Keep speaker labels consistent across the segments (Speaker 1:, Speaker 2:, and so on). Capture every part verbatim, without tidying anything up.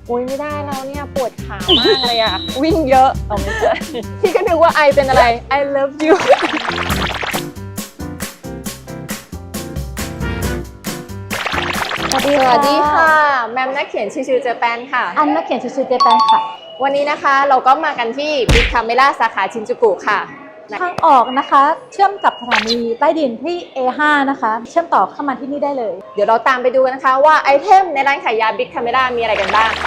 Speaker 1: อุ้ยไม่ได้แล้วเนี่ยปวดขามากเลยอ่ะ วิ่งเยอะเอาไม่ใช่พี่ก็นึกว่าไอเป็นอะไร I love you
Speaker 2: สวัสดี
Speaker 1: ส
Speaker 2: ค่ะ
Speaker 1: วัสดีค่ะแมมนักเขียนชื่อเจแปนค่ะ
Speaker 2: อันนักเขียนชื่อเจแปนค่ะ
Speaker 1: วันนี้นะคะเราก็มากันที่บิ๊กคาเมล่าสาขาชินจูกุค่ะ
Speaker 2: ทางออกนะคะเชื่อมกับสถานีใต้ดินที่ เอ ห้า นะคะ เชื่อมต่อเข้ามาที่นี่ได้เลย
Speaker 1: เดี๋ยวเราตามไปดูกันนะคะว่าไอเทมในร้านขายยาบิ๊กคาเมล่ามีอะไรกันบ้าง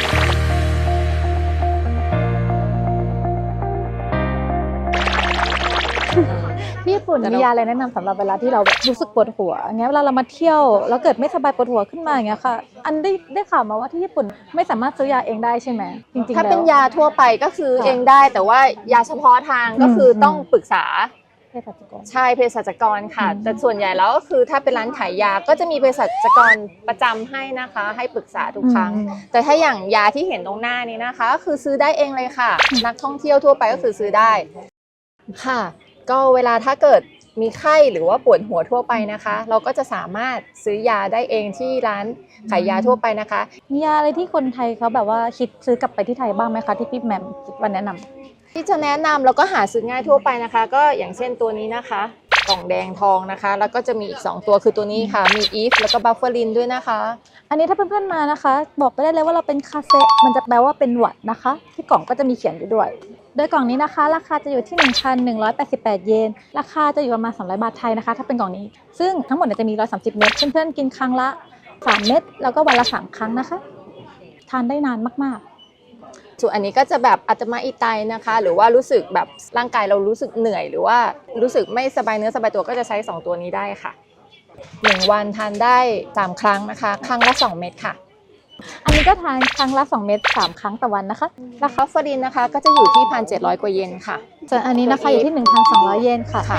Speaker 2: ที่ญี่ปุ่นมียาอะไรแนะนำสำหรับเวลาที่เราแบบรู้สึกปวดหัวอย่างเงี้ยเวลาเรามาเที่ยวแล้วเกิดไม่สบายปวดหัวขึ้นมาอย่างเงี้ยค่ะ อันได้ได้ข่าวมาว่าที่ญี่ปุ่นไม่สามารถซื้อยาเองได้ใช่ไหมจริงๆ
Speaker 1: ถ้าเป็น
Speaker 2: แล้ว
Speaker 1: ยาทั่วไปก็คือ
Speaker 2: ค่ะ
Speaker 1: เองได้แต่ว่ายาเฉพาะทางก็คืออ
Speaker 2: ม
Speaker 1: ต้องปรึกษา
Speaker 2: เภสัชกร
Speaker 1: ใช่เภสัชกรค่ะ
Speaker 2: อืม
Speaker 1: แต่ส่วนใหญ่แล้วก็คือถ้าเป็นร้านขายยาก็จะมีเภสัชกรประจำให้นะคะ ให้ปรึกษาทุกครั้ง แต่ถ้าอย่างยาที่เห็นตรงหน้านี้นะคะก็คือซื้อได้เองเลยค่ะ นักท่องเที่ยวทั่วไปก็คือซื้อได้ค่ะ ก็เวลาถ้าเกิดมีไข้หรือว่าปวดหัวทั่วไปนะคะ เราก็จะสามารถซื้อยาได้เองที่ร้านขายยาทั่วไปนะคะ
Speaker 2: มียาอะไรที่คนไทยเขาแบบว่าคิดซื้อกลับไปที่ไทยบ้างไหมคะที่พี่แหมมคิดว่าแนะนำ
Speaker 1: ที่จะแนะนำแล้วก็หาซื้อง่ายทั่วไปนะคะ ก็อย่างเช่นตัวนี้นะคะกล่องแดงทองนะคะ แล้วก็จะมีอีกสองตัวคือตัวนี้ค่ะมีอีฟแล้วก็บัฟเฟอรินด้วยนะคะ
Speaker 2: อันนี้ถ้าเพื่อนๆมานะคะ บอกไปได้เลยว่าเราเป็นคาเซะมันจะแปลว่าเป็นหวัดนะคะ ที่กล่องก็จะมีเขียนอยู่ด้วย โดยกล่องนี้นะคะ ราคาจะอยู่ที่ หนึ่งพันหนึ่งร้อยแปดสิบแปด เยนราคาจะอยู่ประมาณสองร้อยบาทไทยนะคะถ้าเป็นกล่องนี้ ซึ่งทั้งหมดเนี่ยจะมีหนึ่งร้อยสามสิบเม็ดเพื่อนๆกินครั้งละสามเม็ดแล้วก็วันละสามครั้งนะคะทานได้นานมากๆ
Speaker 1: ส่วนอันนี้ก็จะแบบอาจจะมาอีไตนะคะ หรือว่ารู้สึกแบบร่างกายเรารู้สึกเหนื่อย หรือว่ารู้สึกไม่สบายเนื้อสบายตัวก็จะใช้สองตัวนี้ได้ค่ะหนึ่งวันทานได้สามครั้งนะคะ ครั้งละสองเม็ดค่ะ
Speaker 2: อันนี้ก็ทานครั้งละสองเม็ดสามครั้งต่อวันนะคะ
Speaker 1: ราคาฟอรินนะคะก็จะอยู่ที่ หนึ่งพันเจ็ดร้อย กว่าเยนค่ะ
Speaker 2: ส่วนอันนี้นะคะอยู่ที่ หนึ่งพันสองร้อย เยนค่ะ
Speaker 1: ค่ะ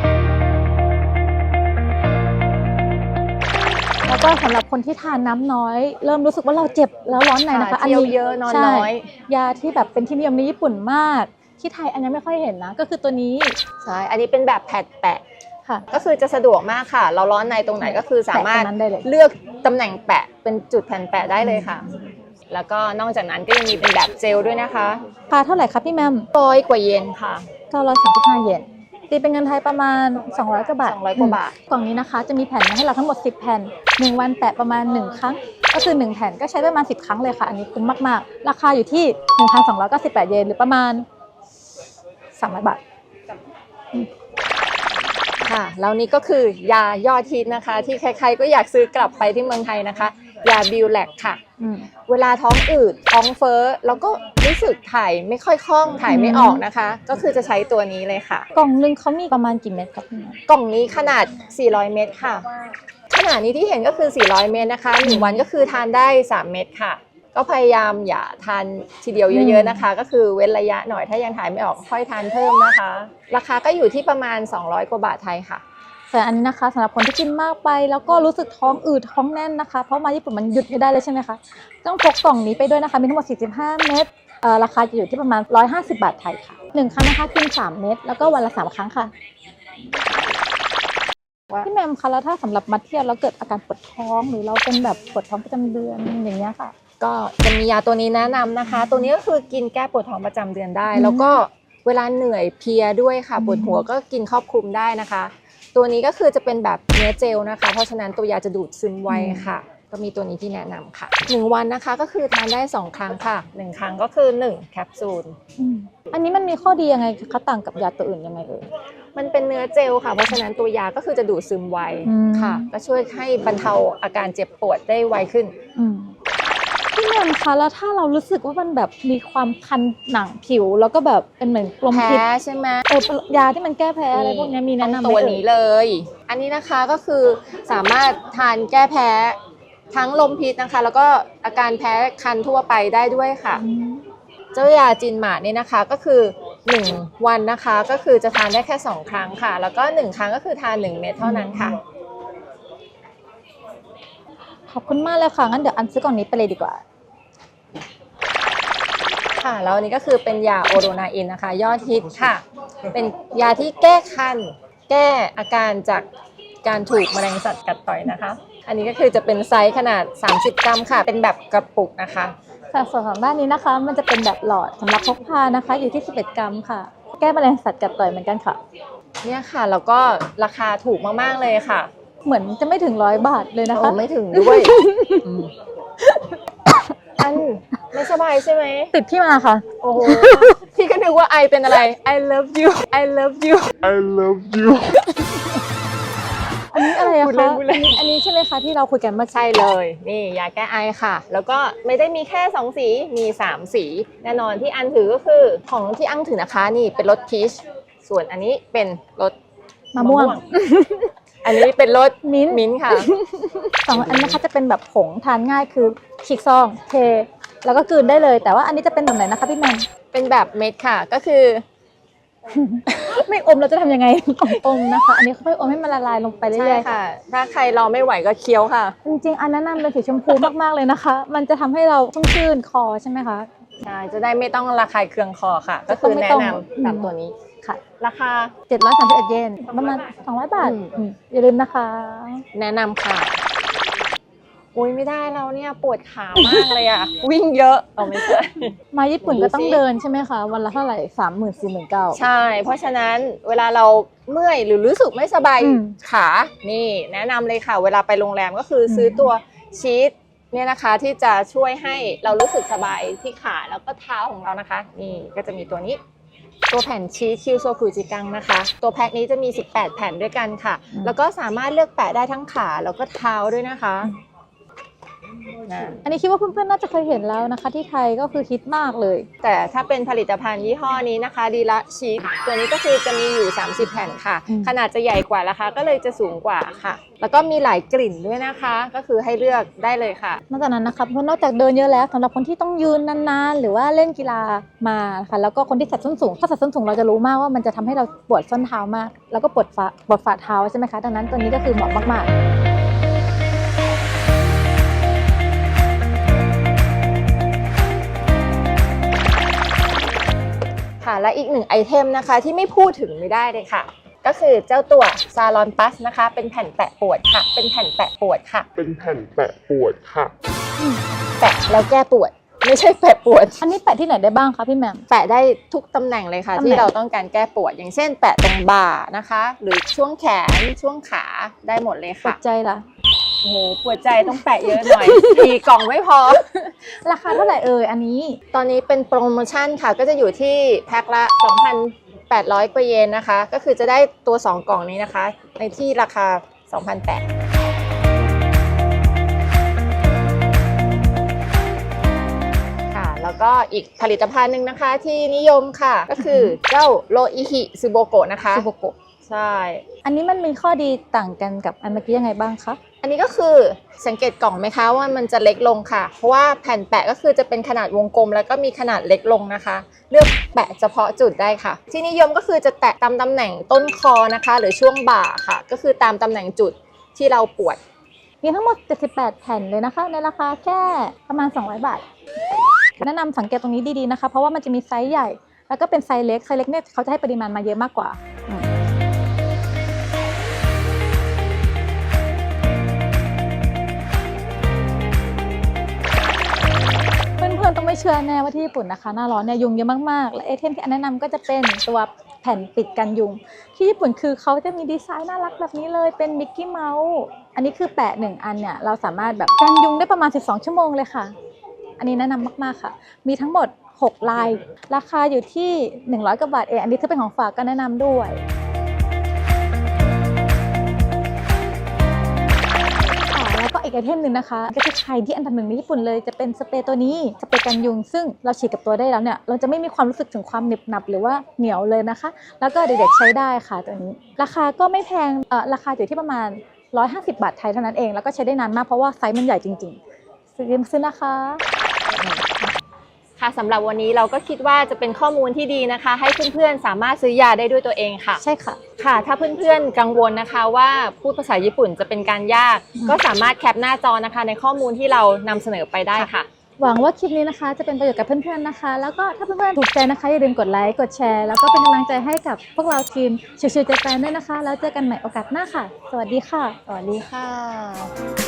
Speaker 2: แล้วก็สำหรับคนที่ทานน้ำน้อย เริ่มรู้สึกว่าเราเจ็บแล้วร้อนในนะคะ
Speaker 1: เที่ยวเยอะนอนน้อย
Speaker 2: ใช่ยาที่แบบเป็นที่นิยมในญี่ปุ่นมากที่ไทยอันนี้ไม่ค่อยเห็นนะก็คือตัวนี้
Speaker 1: ใช่ อันนี้เป็นแบบแผ่นแปะ
Speaker 2: ค่ะ
Speaker 1: ก็คือจะสะดวกมากค่ะ เราร้อนในตรงไหนก็คือสามารถ
Speaker 2: แปะตรงนั้นได้เลย
Speaker 1: เลือกตำแหน่งแปะเป็นจุดแผ่นแปะได้เลยค่ะ แล้วก็นอกจากนั้นก็ยังมีเป็นแบบเจลด้วยนะคะ
Speaker 2: ราคาเท่าไหร่คะพี่แมม
Speaker 1: ร้อยกว่าเยนค่ะ
Speaker 2: เก้าร้อยสามสิบห้า เยนตีเป็นเงินไทยประมาณสองร้อยกว่าบาท
Speaker 1: สองร้อยกว่าบาท
Speaker 2: กล่องนี้นะคะจะมีแผ่นมาให้เราทั้งหมดสิบแผ่นหนึ่งวันแปะประมาณหนึ่งครั้งก็คือหนึ่งแผ่นก็ใช้ประมาณสิบครั้งเลยค่ะอันนี้คุ้มมากๆราคาอยู่ที่ หนึ่งพันสองร้อยเก้าสิบแปด เยนหรือประมาณสามร้อยบาท
Speaker 1: ค่ะแล้วนี่ก็คือยายอดฮิตนะคะ ที่ใครๆก็อยากซื้อกลับไปที่เมืองไทยนะคะ ยาบิวแลกค่ะ
Speaker 2: อืม
Speaker 1: เวลาท้องอืดท้องเฟ้อแล้วก็รู้สึกถ่ายไม่ค่อยคล่องถ่ายไม่ออกนะคะ ก็คือจะใช้ตัวนี้เลยค่ะ
Speaker 2: กล่องหนึงเขามีประมาณกี่เม็ดครับพี่แมม
Speaker 1: กล่องนี้ขนาดสี่ร้อยเมตรค่ะขนาดนี้ที่เห็นก็คือสี่ร้อยเมตรนะคะหนึ่งวันก็คือทานได้สามเม็ดค่ะ ก็พยายามอย่าทานทีเดียวเยอะๆนะคะ ก็คือเว้นระยะหน่อยถ้ายังถ่ายไม่ออกค่อยทานเพิ่มนะคะ ราคาก็อยู่ที่ประมาณสองร้อยกว่าบาทไทยค่ะ
Speaker 2: แต่อันนี้นะคะสำหรับคนที่กินมากไปแล้วก็รู้สึกท้องอืดท้องแน่นนะคะเพราะมาญี่ปุ่นมันหยุดไม่ได้เลยใช่ไหมคะต้องพกกล่องนี้ไปด้วยนะคะมีทั้งหมดสี่สิบห้าเม็ดเอ่อราคาจะอยู่ที่ประมาณหนึ่งร้อยห้าสิบบาทไทยค่ะหนึ่งครั้งนะคะกินสามเม็ดแล้วก็วันละสามครั้งค่ะพี่แมมคะแล้วถ้าสำหรับมาเที่ยวแล้วเกิดอาการปวดท้องหรือเราเป็นแบบปวดท้องประจำเดือนอย่างเงี้ยค่ะ
Speaker 1: ก็จะมียาตัวนี้แนะนำนะคะ ตัวนี้ก็คือกินแก้ปวดท้องประจำเดือนได้
Speaker 2: อืม
Speaker 1: แล้วก็เวลาเหนื่อยเพลียด้วยค่ะ
Speaker 2: อืม
Speaker 1: ปวดหัวก็กินครอบคลุมได้นะคะ ตัวนี้ก็คือจะเป็นแบบเนื้อเจลนะคะ เพราะฉะนั้นตัวยาจะดูดซึมไวค่ะ ก็มีตัวนี้ที่แนะนำค่ะหนึ่งวันนะคะก็คือทานได้สองครั้งค่ะหนึ่งครั้งก็คือหนึ่งแคปซูล
Speaker 2: อืมอันนี้มันมีข้อดียังไงคะต่างกับยาตัวอื่นยังไงเอ่ย
Speaker 1: มันเป็นเนื้อเจลค่ะ เพราะฉะนั้นตัวยาก็คือจะดูดซึมไว
Speaker 2: อืม
Speaker 1: ค่ะ ก็ช่วยให้บรรเทาอาการเจ็บปวดได้ไวขึ้น
Speaker 2: อืมพี่แมมคะแล้วถ้าเรารู้สึกว่ามันแบบมีความคันหนังผิว แล้วก็แบบเป็นเหมือนกลม
Speaker 1: แพ้
Speaker 2: พิษ
Speaker 1: ใช่ไหม
Speaker 2: เออยาที่มันแก้แพ้อะไรพวกนี้มีแนะนำไหม
Speaker 1: ตัว
Speaker 2: เอ่
Speaker 1: นี้
Speaker 2: ย
Speaker 1: เลย อันนี้นะคะก็คือสามารถทานแก้แพ้ทั้งลมพิษนะคะ แล้วก็อาการแพ้คันทั่วไปได้ด้วยค่ะ
Speaker 2: อืม
Speaker 1: เจ้ายาจินหมาเนี่ยนะคะก็คือหนึ่งวันนะคะก็คือจะทานได้แค่สองครั้งค่ะ แล้วก็หนึ่งครั้งก็คือทานหนึ่งเม็ดเท่านั้นค่ะ
Speaker 2: ขอบคุณมากเลยค่ะงั้นเดี๋ยวอันซื้อกล่องนี้ไปเลยดีกว่า
Speaker 1: ค่ะแล้วอันนี้ก็คือเป็นยาโอโรนาอินนะคะ ยอดฮิตค่ะ เป็นยาที่แก้คัน แก้อาการจากการถูกแมลงสัตว์กัดต่อยนะคะ อันนี้ก็คือจะเป็นไซส์ขนาดสามสิบกรัมค่ะ เป็นแบบกระปุกนะคะ
Speaker 2: สค่ะส่วนของด้านนี้นะคะ มันจะเป็นแบบหลอดสำหรับพกพานะคะ อยู่ที่สิบเอ็ดกรัมค่ะ แก้แมลงสัตว์กัดต่อยเหมือนกันค่ะ
Speaker 1: เนี่ยค่ะแล้วก็ราคาถูกมากๆเลยค่ะ
Speaker 2: เหมือนจะไม่ถึงร้อยบาทเลยนะคะ
Speaker 1: โอ้ไม่ถึงด้วย อันไม่สบายใช่ไหม
Speaker 2: ติดที่มาค่ะ
Speaker 1: โอ้โหพี่ก็นึกว่าไอเป็นอะไร I love you I love you
Speaker 3: I love you
Speaker 2: อันนี้อะไรอะ
Speaker 1: พูดเล่
Speaker 2: คะ
Speaker 1: นพูดเล่น
Speaker 2: อันนี้ใช่ไหมคะที่เราคุยกันเมื่อกี้
Speaker 1: ใช่เลย นี่ยาแก้ไอค่ะ แล้วก็ไม่ได้มีแค่สองสี มีสามสี แน่นอนที่อันถือก็คือของที่อังถือนะคะนี่เป็นรสพีช ส่วนอันนี้เป็นรส
Speaker 2: มะม่วง
Speaker 1: อันนี้เป็นรส
Speaker 2: มิ้นท์
Speaker 1: มิ้นท์ค่ะ
Speaker 2: สองอันนะคะจะเป็นแบบผงทานง่ายคือฉีกซองเทแล้วก็กลืนได้เลย แต่ว่าอันนี้จะเป็นแบบไหนนะคะพี่แมน
Speaker 1: เป็นแบบเม็ดค่ะ ก็คือ
Speaker 2: ไม่อมเราจะทำยังไง อมนะคะ อันนี้ค่อยๆอมให้มันละลายลงไปเรื่
Speaker 1: ใช่
Speaker 2: อยๆ
Speaker 1: ค่ะ ถ้าใครรอไม่ไหวก็เคี้ยวค่ะ
Speaker 2: จริงๆ อันแนะนำเป็นสีชมพูมากๆเลยนะคะ มันจะทำให้เราชุ่มชื่นคอใช่ไหมคะ
Speaker 1: ใช่ จะได้ไม่ต้องระคายเคืองคอค่ะ ก็คือแนะนำสามตัวนี้
Speaker 2: ค่ะ
Speaker 1: ราคา
Speaker 2: เจ็ดร้อยสามสิบเอ็ดเยนประมาณสองร้อยบาท
Speaker 1: อืม
Speaker 2: อืมอย่าลืมนะคะ
Speaker 1: แนะนำค่ะ อุ้ยไม่ได้แล้วเนี่ยปวดขามากเลยอ่ะ วิ่งเยอะเอาไม่ใช่
Speaker 2: มาญี่ปุ่น
Speaker 1: ดู
Speaker 2: ก็ต้อง
Speaker 1: สิ
Speaker 2: เดินใช่ไหมคะ วันละเท่าไหร่สามหมื่นสี่หมื่นเก้า
Speaker 1: ใช่ เพราะฉะนั้นเวลาเราเมื่อยหรือรู้สึกไม่สบาย
Speaker 2: อืม
Speaker 1: ขา นี่แนะนำเลยค่ะ เวลาไปโรงแรมก็คืออ
Speaker 2: ม
Speaker 1: ซื้อตัวชีทเนี่ยนะคะที่จะช่วยให้เรารู้สึกสบายที่ขาแล้วก็เท้าของเรานะคะ นี่ก็จะมีตัวนี้ ตัวแผ่นชีสคิวโซคุจิกังนะคะ ตัวแพ็คนี้จะมีสิบแปดแผ่นด้วยกันค่ะ แล้วก็สามารถเลือกแปะได้ทั้งขาแล้วก็เท้าด้วยนะคะนะ
Speaker 2: อันนี้คิดว่าเพื่อนๆ น่าจะเคยเห็นแล้วนะคะ ที่ไทยก็คือฮิตมากเลย
Speaker 1: แต่ถ้าเป็นผลิตภัณฑ์ยี่ห้อนี้นะคะดีละชีสตัวนี้ก็คือจะมีอยู่สามสิบแผ่นค่ะ
Speaker 2: อืม
Speaker 1: ขนาดจะใหญ่กว่าราคาก็เลยจะสูงกว่าค่ะ แล้วก็มีหลายกลิ่นด้วยนะคะ ก็คือให้เลือกได้เลยค่ะ
Speaker 2: นอกจากนั้นนะคะเพราะนอกจากเดินเยอะแล้วสำหรับคนที่ต้องยืนนานๆ หรือว่าเล่นกีฬามาค่ะแล้วก็คนที่ใส่ส้นสูงถ้าใส่ส้นสูงเราจะรู้มากว่ามันจะทำให้เราปวดส้นเท้ามาก แล้วก็ปวดฝ่าปวดฝ่าเท้าใช่ไหมคะดังนั้นตัวนี้ก็คือเหมาะมากๆ
Speaker 1: ค่ะและอีกหนึ่งไอเทมนะคะที่ไม่พูดถึงไม่ได้เลยค่ะ ก็คือเจ้าตัวซาลอนปัสนะคะ เป็นแผ่นแปะปวดค่ะ เป็นแผ่นแปะปวดค่ะ
Speaker 3: เป็นแผ่นแปะปวดค่ะ
Speaker 1: แปะแล้วแก้ปวด ไม่ใช่แปะปวด
Speaker 2: อันนี้แปะที่ไหนได้บ้างคะพี่แหม่ม
Speaker 1: แปะได้ทุกตำแหน่งเลยค่ะ
Speaker 2: ตำแหน่ง
Speaker 1: ที่เราต้องการแก้ปวด อย่างเช่น แปะตรงบ่านะคะ หรือช่วงแขนช่วงขาได้หมดเลย
Speaker 2: ปว
Speaker 1: ค่ะ
Speaker 2: ดใจล่ะ
Speaker 1: โอ้โหปวดใจต้องแปะเยอะหน่อย สี่กล่องไม่พอ
Speaker 2: ราคาเท่าไหร่เอ่ยอันนี้
Speaker 1: ตอนนี้เป็นโปรโมชั่นค่ะ ก็จะอยู่ที่แพ็คละ สองพันแปดร้อย กว่าเยนนะคะ ก็คือจะได้ตัว สอง กล่องนี้นะคะ ในที่ราคา สองพันแปดร้อย ค่ะแล้วก็อีกผลิตภัณฑ์หนึ่งนะคะที่นิยมค่ะ ก็คือเจ้าโรอิฮิซูโบโกะนะคะ
Speaker 2: ซูโบโกะ
Speaker 1: ใช่
Speaker 2: อันนี้มันมีข้อดีต่างกันกับอันเมื่อกี้ยังไงบ้างคะ
Speaker 1: อันนี้ก็คือสังเกตกล่องไหมคะว่ามันจะเล็กลงค่ะ เพราะว่าแผ่นแปะก็คือจะเป็นขนาดวงกลมแล้วก็มีขนาดเล็กลงนะคะ เลือกแปะเฉพาะจุดได้ค่ะ ที่นิยมก็คือจะแตะตามตำแหน่งต้นคอนะคะ หรือช่วงบ่าค่ะ ก็คือตามตำแหน่งจุดที่เราปวด
Speaker 2: มีทั้งหมดเจ็ดสิบแปดแผ่นเลยนะคะ ในราคาแค่ประมาณสองร้อยบาท แนะนำสังเกตตรงนี้ดีๆนะคะ เพราะว่ามันจะมีไซส์ใหญ่ แล้วก็เป็นไซส์เล็ก ไซส์เล็กเนี่ยเขาจะให้ปริมาณมาเยอะมากกว่าอืมเพื่อนๆต้องไม่เชื่อแน่ว่าที่ญี่ปุ่นนะคะ หน้าร้อนเนี่ยยุงเยอะมากๆ และไอเทมที่อันแนะนำก็จะเป็นตัวแผ่นปิดกันยุง ที่ญี่ปุ่นคือเขาจะมีดีไซน์น่ารักแบบนี้เลยเป็นมิกกี้เมาส์อันนี้คือแปะหนึ่งอันเนี่ยเราสามารถแบบกันยุงได้ประมาณสิบสองชั่วโมงเลยค่ะ อันนี้แนะนำมากๆค่ะ มีทั้งหมดหกลาย ราคาอยู่ที่หนึ่งร้อยกว่าบาทเอง อันนี้ถ้าเป็นของฝากก็แนะนำด้วยค่ะแล้วก็อีกไอเทมหนึ่งนะคะ ก็จะใช้ที่อันดับหนึ่งในญี่ปุ่นเลยจะเป็นสเปรย์ตัวนี้สเปรย์กันยุง ซึ่งเราฉีดกับตัวได้แล้วเนี่ยเราจะไม่มีความรู้สึกถึงความหนึบหนับหรือว่าเหนียวเลยนะคะ แล้วก็เด็กๆใช้ได้ค่ะตัวนี้ ราคาก็ไม่แพงเอ่อราคาอยู่ที่ประมาณหนึ่งร้อยห้าสิบบาทไทยเท่านั้นเองแล้วก็ใช้ได้นานมากเพราะว่าไซส์มันใหญ่จริงๆซื้อซื้อนะคะ
Speaker 1: ค่ะสำหรับวันนี้เราก็คิดว่าจะเป็นข้อมูลที่ดีนะคะ ให้เพื่อนๆสามารถซื้อยาได้ด้วยตัวเองค่ะ
Speaker 2: ใช่ค่ะ
Speaker 1: ค่ะ ถ้าเพื่อนๆกังวลนะคะว่าพูดภาษาญี่ปุ่นจะเป็นการยาก
Speaker 2: อืม
Speaker 1: ก็สามารถแคปหน้าจอนะคะ ในข้อมูลที่เรานำเสนอไปได้ค่ะ
Speaker 2: หวังว่าคลิปนี้นะคะจะเป็นประโยชน์กับเพื่อนๆนะคะ แล้วก็ถ้าเพื่อนๆถูกใจนะคะอย่าลืมกดไลค์กดแชร์แล้วก็เป็นกำลังใจให้กับพวกเราทีมชิวๆใจแฟนด้วยนะคะ แล้วเจอกันใหม่โอกาสหน้าค่ะ สวัสดีค่ะ
Speaker 1: สวัสดีค่ะ